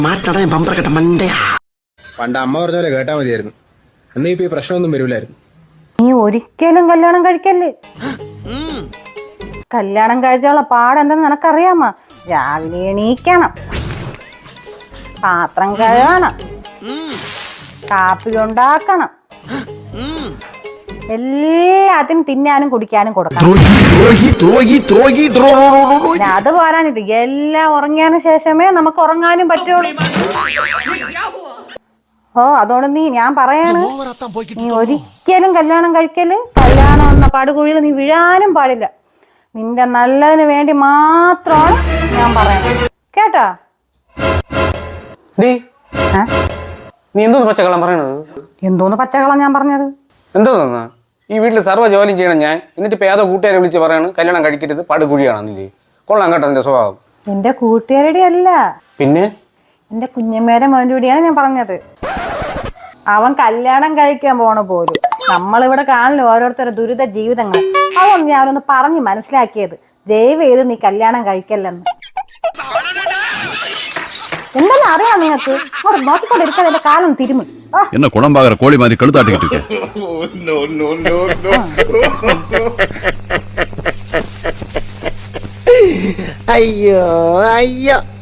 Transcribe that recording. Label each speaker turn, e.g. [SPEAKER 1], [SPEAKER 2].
[SPEAKER 1] പണ്ട് അമ്മ പറഞ്ഞ പോലെ കേട്ടാ മതിയായിരുന്നു. എന്നീ ഇപ്പൊ ഈ പ്രശ്നമൊന്നും വരൂലായിരുന്നു.
[SPEAKER 2] നീ ഒരിക്കലും കല്യാണം കഴിക്കല്ലേ. കല്യാണം കഴിച്ചുള്ള പാടെന്തെന്ന് നിനക്കറിയാമോ? രാവിലെ എണീക്കണം, പാത്രം കഴുകണം, കാപ്പി ഉണ്ടാക്കണം, എല്ലാത്തിനും തിന്നാനും കുടിക്കാനും കൊടുക്കണം. അത് പോരാഞ്ഞിട്ട് എല്ലാം ഉറങ്ങിയതിനു ശേഷമേ നമുക്ക് ഉറങ്ങാനും പറ്റുള്ളൂ. അതുകൊണ്ട് ഞാൻ പറയാണ്, നീ ഒരിക്കലും കല്യാണം കഴിക്കല്. കല്യാണം എന്ന പടുകുഴിയിൽ നീ വീഴാനും പാടില്ല. നിന്റെ നല്ലതിന് വേണ്ടി മാത്രമാണ് ഞാൻ പറയണത്, കേട്ടാ?
[SPEAKER 3] നീ എന്തോന്ന് പച്ചക്കള്ളം പറയണത്?
[SPEAKER 2] എന്തോന്ന് പച്ചക്കള്ളം ഞാൻ പറഞ്ഞത്?
[SPEAKER 3] എന്തോന്നാ ഈ വീട്ടിൽ സർവ്വ ജോലിയും ചെയ്യണം ഞാൻ, എന്നിട്ട് ഇപ്പൊ ഏതോ കൂട്ടുകാരെ വിളിച്ച് പറയാണ് കല്യാണം കഴിക്കരുത്, പടുകുഴിയാണെന്നില്ലേ? കൊള്ളാം കേട്ടോ നിന്റെ സ്വഭാവം.
[SPEAKER 2] എന്റെ കൂട്ടുകാരുടെ അല്ല,
[SPEAKER 3] പിന്നെ
[SPEAKER 2] എന്റെ കുഞ്ഞമ്മയുടെ മോൻ്റെ കൂടിയാണ് ഞാൻ പറഞ്ഞത്. അവൻ കല്യാണം കഴിക്കാൻ പോണ പോലും. നമ്മളിവിടെ കാണില്ല ഓരോരുത്തരുടെ ദുരിത ജീവിതങ്ങൾ. അതൊന്ന് ഞാനൊന്ന് പറഞ്ഞ് മനസ്സിലാക്കിയത്. ദയവ് ചെയ്ത് നീ കല്യാണം കഴിക്കല്ലെന്ന്. എന്തെല്ലാം അറിയാം നിങ്ങൾക്ക്? അങ്ങോട്ട് നോക്കിക്കൊണ്ടിരിക്കാതെ എന്റെ കാലം തിരുമു.
[SPEAKER 4] என்ன குணம்பாகிற கோழி மாதிரி கழுத்தாட்டிக்கிட்டு இருக்கு.
[SPEAKER 5] ஐயோ ஐயோ.